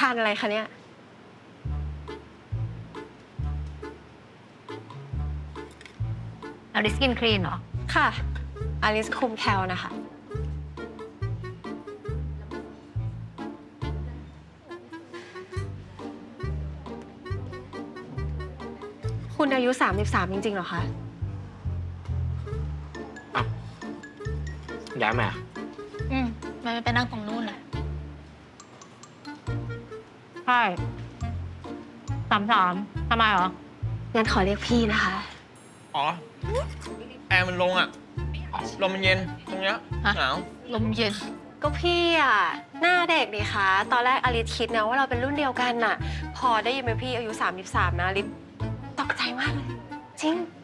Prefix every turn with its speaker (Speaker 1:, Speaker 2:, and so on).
Speaker 1: านอะไรคะเนี่ย
Speaker 2: อลิสกินคลีนเหรอ
Speaker 1: ค่ะอลิสคุมแคลนะคะ คุณอายุ33จริงๆเหรอคะ
Speaker 3: อ้าวย้ายมา
Speaker 2: มันไปนั่งตรงนู้นเลยใช่33ทำไมเหรอ
Speaker 1: งั้นขอเรียกพี่นะคะ
Speaker 4: อ๋อ แอร์มันลงอ่ะ ลมมันเย็นตรงเนี้ย
Speaker 2: ฮะ
Speaker 4: หนาว
Speaker 2: ลมเย็น
Speaker 1: ก็พี่อ่ะ หน้าเด็กดีคะ ตอนแรกอลิสคิดนะว่าเราเป็นรุ่นเดียวกันน่ะ พอได้ยินเป็นพี่อายุ33นะอลิสตกใจมากเลย จริง